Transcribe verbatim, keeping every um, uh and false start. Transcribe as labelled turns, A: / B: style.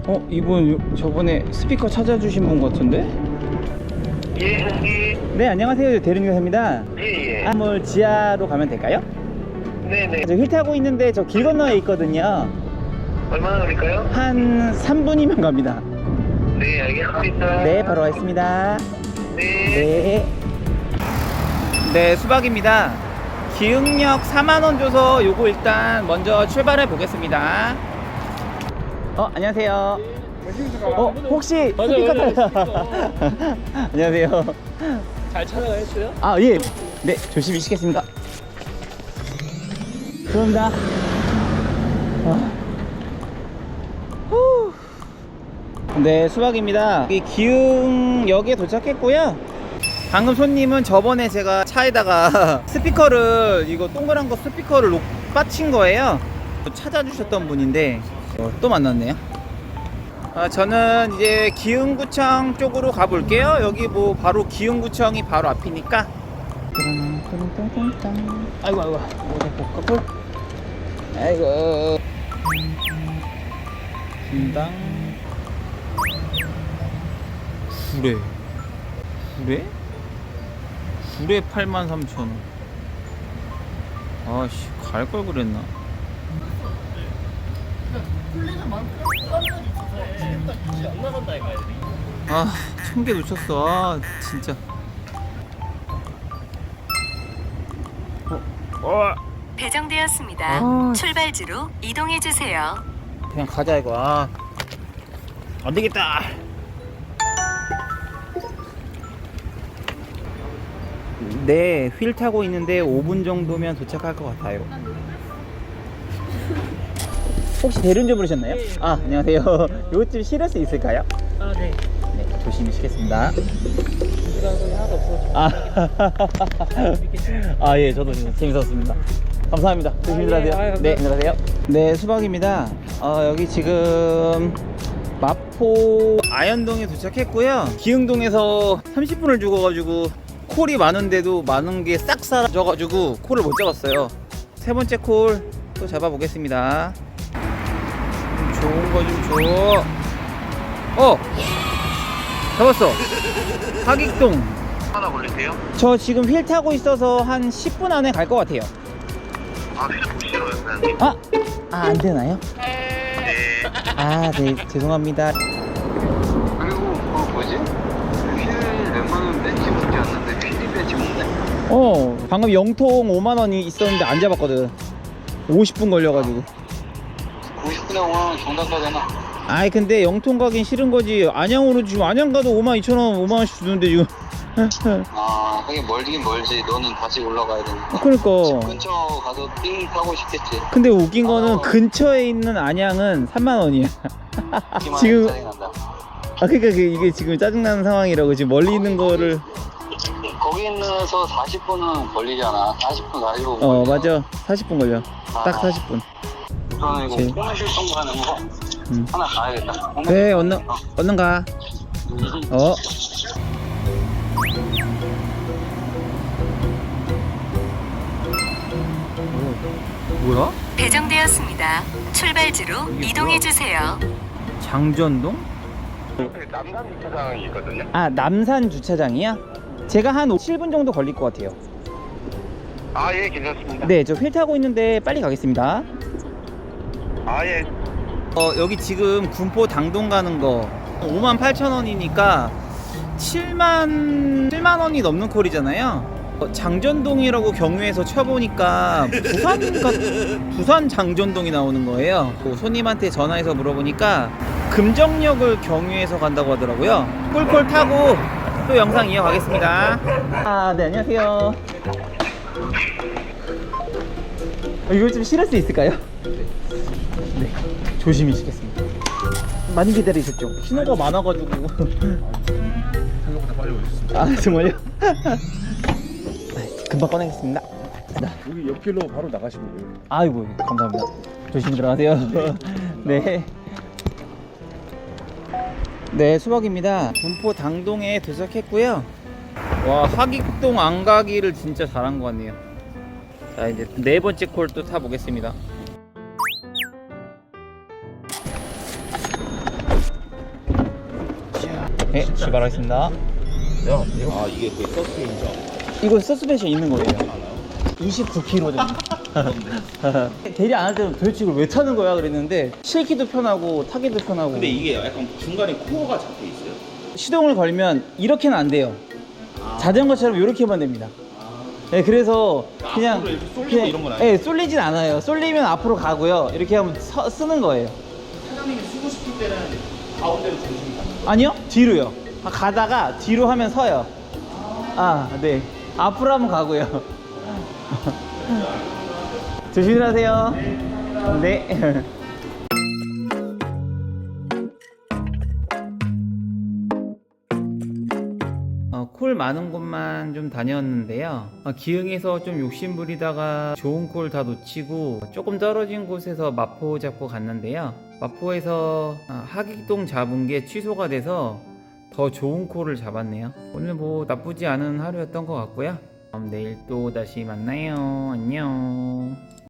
A: 어, 이분 요- 저번에 스피커 찾아주신 분 같은데?
B: 예, 여기.
A: 네, 안녕하세요. 대륜교사입니다.
B: 예, 예.
A: 한물 지하로 가면 될까요?
B: 네네.
A: 저 휠 타고 있는데 저 길 건너에 있거든요.
B: 얼마나 걸릴까요?
A: 한 삼 분이면 갑니다.
B: 네, 알겠습니다.
A: 네, 바로 가겠습니다.
B: 네.
A: 네. 네, 수박입니다. 기흥역 사만 원 줘서 요거 일단 먼저 출발해 보겠습니다. 어, 안녕하세요. 어, 혹시 스피커 타요? 안녕하세요.
C: 잘 촬영했어요?
A: 아, 예. 네, 조심히 쉬겠습니다. 그런다. 아. 후. 네, 수박입니다. 여기 기흥역에 도착했고요. 방금 손님은 저번에 제가 차에다가 스피커를, 이거 동그란 거 스피커를 놓, 빠친 거예요. 찾아주셨던 분인데 어, 또 만났네요. 아, 저는 이제 기흥구청 쪽으로 가볼게요. 여기 뭐 바로 기흥구청이 바로 앞이니까. 아이고 아이고 커플. 아이고 분당 구례 구례? 구례 팔만 삼천 원. 아씨, 갈 걸 그랬나? 아, 천 개 놓쳤어. 아, 진짜. 어, 어.
D: 배정되었습니다.
A: 아.
D: 출발지로 이동해 주세요.
A: 그냥 가자 이거. 아, 안 되겠다. 네, 휠 타고 있는데 오 분 정도면 도착할 것 같아요. 혹시 대륜주 부르셨나요? 아, 안녕하세요. 요것 좀 실을 수 있을까요?
C: 아, 네.
A: 네, 조심히 쉬겠습니다.
C: 이런 소리 하나도 없어.
A: 아, 아, 예, 저도 재밌었습니다. 감사합니다. 조심히 들어가세요.
C: 아, 예. 아,
A: 네,
C: 감사합니다.
A: 안녕하세요. 네, 수박입니다. 어, 여기 지금 마포 아현동에 도착했고요. 기흥동에서 삼십 분을 죽어가지고 콜이 많은데도 많은 게 싹 사라져가지고 콜을 못 잡았어요. 세 번째 콜 또 잡아보겠습니다. 좀 좋은 거 좀 줘. 어! 잡았어. 하객동.
B: 하나 걸리세요?
A: 저 지금 휠 타고 있어서 한 십 분 안에 갈 것 같아요.
B: 아, 휠 싫어요, 사장님.
A: 아! 아, 안 되나요?
B: 네.
A: 아, 네, 죄송합니다.
B: 그리고, 그 뭐지? 휠 웬만하면 벤치 문제였는데, 휠이 벤치 문제?
A: 어, 방금 영통 오만 원이 있었는데 안 잡았거든. 오십 분 걸려가지고.
B: 구십 분에 오만 원 정답 가잖아.
A: 아이, 근데 영통 가긴 싫은 거지. 안양으로 지금 안양 가도 오만 이천 원, 오만 원씩 주는데 지금.
B: 아, 하긴 멀긴 멀지. 너는 다시 올라가야 되니까.
A: 그러니까.
B: 근처 가서 띵 타고 싶겠지.
A: 근데 웃긴 거는 근처에 있는 안양은 삼만 원이야.
B: 지금
A: 지금-
B: 짜증난다.
A: 아, 그러니까 그 이게 지금 짜증나는 상황이라고. 지금 멀리 있는 거를.
B: 거기 있는서 사십 분은 걸리잖아. 사십 분, 사십오 분.
A: 어, 맞아. 사십 분 걸려. 딱 사십 분.
B: 저는 이거
A: 제일-
B: 코너 실성 가는 거
A: 음.
B: 하나 가야겠다.
A: 그래, 얼른, 얼른 가. 어. 뭐야?
D: 배정되었습니다. 출발지로
A: 이게
D: 이동해
A: 뭐야?
D: 주세요.
A: 장전동?
B: 남산 주차장이 있거든요.
A: 아, 남산 주차장이야? 제가 한 칠 분 정도 걸릴 것 같아요.
B: 아, 예, 괜찮습니다.
A: 네, 저 휠 타고 있는데 빨리 가겠습니다.
B: 아, 예.
A: 어, 여기 지금 군포 당동 가는 거 오만 팔천 원이니까 칠만 칠만 원이 넘는 콜이잖아요. 어, 장전동이라고 경유해서 쳐보니까 부산 가, 부산 장전동이 나오는 거예요. 그 손님한테 전화해서 물어보니까 금정역을 경유해서 간다고 하더라고요. 꿀콜 타고 또 영상 이어가겠습니다. 아, 네, 안녕하세요. 어, 이거 좀 실을 수 있을까요? 네, 조심히 쉬겠습니다. 많이 기다리셨죠? 신호가 많아가지고.
C: 생각보다 빨리 오셨습니다.
A: 아, 정말요? 금방 꺼내겠습니다.
C: 여기 옆길로 바로 나가시면 돼요.
A: 아이고, 감사합니다. 조심히 들어가세요. 네. 네, 수박입니다. 군포 당동에 도착했고요. 와, 하객동 안 가기를 진짜 잘한 것 같네요. 자, 이제 네 번째 콜 또 타보겠습니다. 출발하겠습니다.
C: 야, 이거 아 이게 그 서스인죠?
A: 이거 서스펜션 있는 거예요. 이십구 킬로그램 됩니다. 대리 안 할 때는 도대체 이걸 왜 타는 거야 그랬는데 실기도 편하고 타기도 편하고.
E: 근데 이게 약간 중간에 코어가 잡혀 있어요.
A: 시동을 걸면 이렇게는 안 돼요. 자전거처럼 이렇게만 됩니다. 네, 그래서 그냥
E: 앞으로 이렇게 쏠리고
A: 그냥-
E: 이런 건 아니에요?
A: 네, 쏠리진 않아요. 쏠리면 앞으로 가고요. 이렇게 하면 서, 쓰는 거예요.
E: 사장님이 쓰고 싶을 때는 가운데로 중심이 가는 거예요.
A: 아니요, 뒤로요. 아, 가다가 뒤로 하면 서요. 아, 네. 앞으로 하면 가고요. 조심히 하세요. 네. 어, 콜 많은 곳만 좀 다녔는데요. 어, 기흥에서 좀 욕심부리다가 좋은 콜 다 놓치고 조금 떨어진 곳에서 마포 잡고 갔는데요. 마포에서 어, 하객동 잡은 게 취소가 돼서 더 좋은 콜을 잡았네요. 오늘 뭐 나쁘지 않은 하루였던 것 같고요. 그럼 내일 또 다시 만나요. 안녕.